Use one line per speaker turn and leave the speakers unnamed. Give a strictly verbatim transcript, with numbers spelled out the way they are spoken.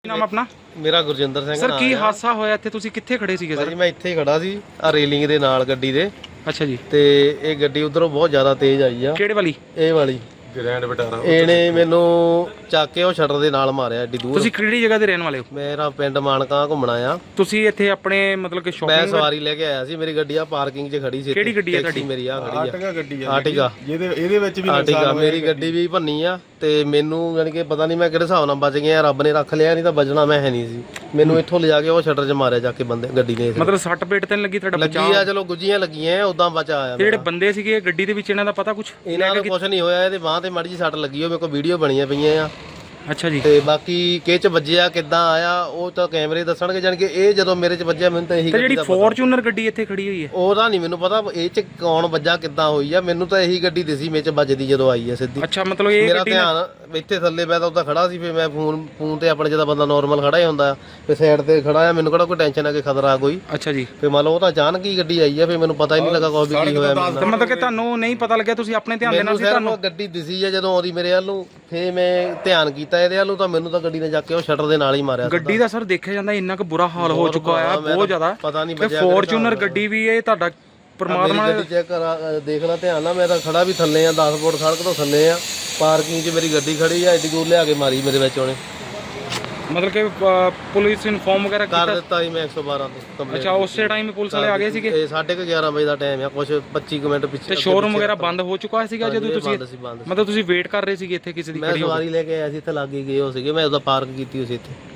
ਨਾਮ ਆਪਣਾ?
ਮੇਰਾ ਗੁਰਜਿੰਦਰ ਸਿੰਘ
ਸਰ ਕੀ ਹਾਦਸਾ ਹੋਇਆ ਇੱਥੇ? ਤੁਸੀਂ ਕਿੱਥੇ ਖੜੇ ਸੀਗੇ ਸਰ?
ਜੀ ਮੈਂ ਇੱਥੇ ਹੀ ਖੜਾ ਸੀ ਆ ਰੇਲਿੰਗ ਦੇ ਨਾਲ ਗੱਡੀ ਦੇ।
ਅੱਛਾ ਜੀ।
ਤੇ ਇਹ ਗੱਡੀ ਉਧਰੋਂ ਬਹੁਤ ਜ਼ਿਆਦਾ ਤੇਜ਼ ਆਈ ਆ।
ਕਿਹੜੇ ਵਾਲੀ?
ਇਹ ਵਾਲੀ
ਗ੍ਰੈਂਡ ਵਿਟਾਰਾ।
ਇਹਨੇ ਮੈਨੂੰ ਚੱਕ ਕੇ ਉਹ ਸ਼ਟਰ ਦੇ ਨਾਲ ਮਾਰਿਆ ਏਡੀ ਦੂਰ।
ਤੁਸੀਂ ਕਿਹੜੀ ਜਗ੍ਹਾ ਦੇ ਰਹਿਣ ਵਾਲੇ ਹੋ?
ਮੇਰਾ ਪਿੰਡ ਮਾਨਕਾ ਘੁੰਮਣਾ ਆ।
ਤੁਸੀਂ ਇੱਥੇ ਆਪਣੇ ਮਤਲਬ ਕਿ
ਮੈਂ
ਸ਼ਾਪਿੰਗ
ਸਵਾਰੀ ਲੈ ਕੇ ਆਇਆ ਸੀ। ਮੇਰੀ ਗੱਡੀ ਆ ਪਾਰਕਿੰਗ 'ਚ ਖੜੀ ਸੀ।
ਕਿਹੜੀ ਗੱਡੀ ਆ ਤੁਹਾਡੀ?
ਮੇਰੀ ਆ ਖੜੀ ਆ
ਆਰਟਿਗਾ ਗੱਡੀ ਆ।
ਆਰਟਿਗਾ
ਜਿਹਦੇ ਇਹਦੇ ਵਿੱਚ ਵੀ
ਆਰਟਿਗਾ ਮੇਰੀ ਗੱਡੀ ਵੀ ਭੰਨੀ ਆ। ਤੇ ਮੈਨੂੰ ਯਾਨੀ ਕਿ ਪਤਾ ਨਹੀਂ ਮੈਂ ਕਿਹੜੇ ਹਿਸਾਬ ਨਾਲ ਬਚ ਗਿਆ, ਰੱਬ ਨੇ ਰੱਖ ਲਿਆ, ਨਹੀਂ ਤਾਂ ਬਚਣਾ ਮੈਂ ਹੈ ਨਹੀਂ ਸੀ। ਮੈਨੂੰ ਇੱਥੋਂ ਲਿਜਾ ਕੇ ਉਹ ਸ਼ਟਰ 'ਚ ਮਾਰਿਆ ਜਾ ਕੇ ਬੰਦੇ ਗੱਡੀ ਨੇ।
ਮਤਲਬ ਸੱਟ ਪੇਟ ਤੇ ਨੀ ਲੱਗੀ ਤੁਹਾਡਾ?
ਲੱਗੀ ਆ, ਚਲੋ ਗੁੱਜੀਆਂ ਲੱਗੀਆਂ, ਉਦਾਂ ਬਚਾ ਆਇਆ।
ਜਿਹੜੇ ਬੰਦੇ ਸੀਗੇ ਗੱਡੀ ਦੇ ਵਿੱਚ ਇਹਨਾਂ ਦਾ ਪਤਾ ਕੁਝ?
ਇਹਨਾਂ ਨੂੰ ਕੁਝ ਨਹੀਂ ਹੋਇਆ। ਇਹਦੇ ਬਾਂਹ ਤੇ ਮਾੜੀ ਜਿਹੀ ਸੱਟ ਲੱਗੀ, ਉਹ ਮੇਰੇ ਕੋਲ ਵੀਡੀਓ ਬਣੀਆਂ ਪਈਆਂ ਆ।
ਅੱਛਾ ਜੀ।
ਤੇ ਬਾਕੀ ਕਿਹ ਚ ਵੱਜਿਆ ਕਿੱਦਾਂ ਆਇਆ ਉਹ ਤਾਂ ਕੈਮਰੇ ਦੱਸਣਗੇ। ਜਾਨ ਕਿ ਇਹ ਜਦੋਂ ਮੇਰੇ ਚ ਵੱਜਿਆ ਮੈਨੂੰ ਤਾਂ ਇਹੀ
ਤੇ ਜਿਹੜੀ ਫੋਰਚੂਨਰ ਗੱਡੀ ਇੱਥੇ ਖੜੀ ਹੋਈ ਹੈ
ਉਹਦਾ ਨਹੀਂ ਮੈਨੂੰ ਪਤਾ ਇਹ ਚ ਕੌਣ ਵੱਜਾ ਕਿੱਦਾਂ ਹੋਈ ਆ। ਮੈਨੂੰ ਤਾਂ ਇਹੀ ਗੱਡੀ ਦਿਸੀ ਮੇਰੇ ਚ ਵੱਜਦੀ ਜਦੋਂ ਆਈ ਆ ਸਿੱਧੀ।
ਅੱਛਾ, ਮਤਲਬ ਇਹ
ਮੇਰਾ
ਗੱਡੀ
ਧਿਆਨ ਇੱਥੇ ਥੱਲੇ ਮੈਂ ਤਾਂ ਉੱਦਾਂ ਖੜਾ ਸੀ। ਫਿਰ ਮੈਂ ਫੋਨ ਫੋਨ ਤੇ ਆਪਣੇ ਜਿਹਦਾ ਬੰਦਾ ਨਾਰਮਲ ਖੜਾ ਹੀ ਹੁੰਦਾ ਫਿਰ ਸਾਈਡ ਤੇ ਖੜਾ ਆ। ਮੈਨੂੰ ਕਿਹੜਾ ਕੋਈ ਟੈਨਸ਼ਨ ਆ ਕਿ ਖਤਰਾ ਕੋਈ।
ਅੱਛਾ ਜੀ।
ਫਿਰ ਮੰਨ ਲਓ ਉਹ ਤਾਂ ਅਚਾਨਕ ਹੀ ਗੱਡੀ ਆਈ ਆ। ਫਿਰ ਮੈਨੂੰ ਪਤਾ ਹੀ ਨਹੀਂ ਲੱਗਾ ਕੋਈ ਵੀ ਕੀ ਹੋਇਆ।
ਤੇ ਮਤਲਬ ਕਿ ਤੁਹਾਨੂੰ ਨਹੀਂ ਪਤਾ ਲੱਗਿਆ, ਤੁਸੀਂ ਆਪਣੇ ਧਿਆਨ ਦੇਣਾ ਸੀ? ਤੁਹਾਨੂੰ
ਗੱਡੀ ਦਿਸੀ ਆ ਜਦੋਂ ਆਉਂਦੀ ਮੇਰੇ ਵੱਲ ਨੂੰ, ਫਿਰ ਮੈਂ ਧਿਆਨ ਕੀਤਾ ਇਹਦੇ ਵੱਲ ਨੂੰ, ਤਾਂ ਮੈਨੂੰ ਤਾਂ ਗੱਡੀ ਨੇ ਜਾ ਕੇ ਉਹ ਸ਼ਟਰ ਦੇ ਨਾਲ ਹੀ ਮਾਰਿਆ।
ਗੱਡੀ ਦਾ ਸਰ ਦੇਖਿਆ ਜਾਂਦਾ ਇੰਨਾ ਕੁ ਬੁਰਾ ਹਾਲ ਹੋ ਚੁੱਕਾ ਆ, ਬਹੁਤ ਜ਼ਿਆਦਾ।
ਪਤਾ ਨਹੀਂ
ਤੇ ਫੋਰਚੂਨਰ ਗੱਡੀ ਵੀ ਇਹ ਤੁਹਾਡਾ ਪਰਮਾਤਮਾ
ਗੱਡੀ ਚੈੱਕ ਕਰਾ ਦੇਖ ਲੈ ਧਿਆਨ ਨਾਲ। ਮੈਂ ਤਾਂ ਖੜਾ ਵੀ ਥੱਲੇ ਆ, ਦਸ ਫੁੱਟ ਸੜਕ ਤੋਂ ਥੱਲੇ ਆ। ਪਾਰਕਿੰਗ 'ਚ ਮੇਰੀ ਗੱਡੀ ਖੜੀ ਆ, ਐਡੀ ਦੂਰ ਲਿਆ ਕੇ ਮਾਰੀ ਮੇਰੇ ਵਿੱਚ ਉਹਨੇ।
ਮਤਲਬ ਕਿ ਪੁਲਿਸ ਇਨਫੋਰਮ ਵਗੈਰਾ
ਕਰ
ਕੀਤਾ?
ਦਿੱਤਾ ਸੀ ਮੈਂ ਇੱਕ ਸੌ ਬਾਰਾਂ ਤੇ ਕੰਪਲੇਂਟ।
ਅੱਛਾ, ਉਸੇ ਟਾਈਮ ਪੁਲਿਸ ਵਾਲੇ ਆ ਗਏ ਸੀਗੇ?
ਇਹ ਸਾਢੇ ਕੁ ਗਿਆਰਾਂ ਵਜੇ ਦਾ ਟਾਈਮ ਆ, ਕੁਛ ਪੱਚੀ ਕੁ ਮਿੰਟ ਪਿੱਛੇ।
ਤੇ ਸ਼ੋਰੂਮ ਵਗੈਰਾ ਬੰਦ ਹੋ ਚੁੱਕਾ ਸੀਗਾ ਜਦੋਂ ਤੁਸੀਂ?
ਬੰਦ ਸੀ, ਬੰਦ ਸੀ।
ਮਤਲਬ ਤੁਸੀਂ ਵੇਟ ਕਰ ਰਹੇ ਸੀਗੇ ਇੱਥੇ ਕਿਸੇ ਦੀ?
ਮੈਂ ਸਵਾਰੀ ਲੈ ਕੇ ਆਇਆ ਸੀ, ਇੱਥੇ ਲੱਗ ਹੀ ਗਏ ਹੋ ਸੀਗੇ। ਮੈਂ ਉਹਦਾ ਪਾਰਕ ਕੀਤੀ ਹੋਈ ਸੀ ਇੱਥੇ।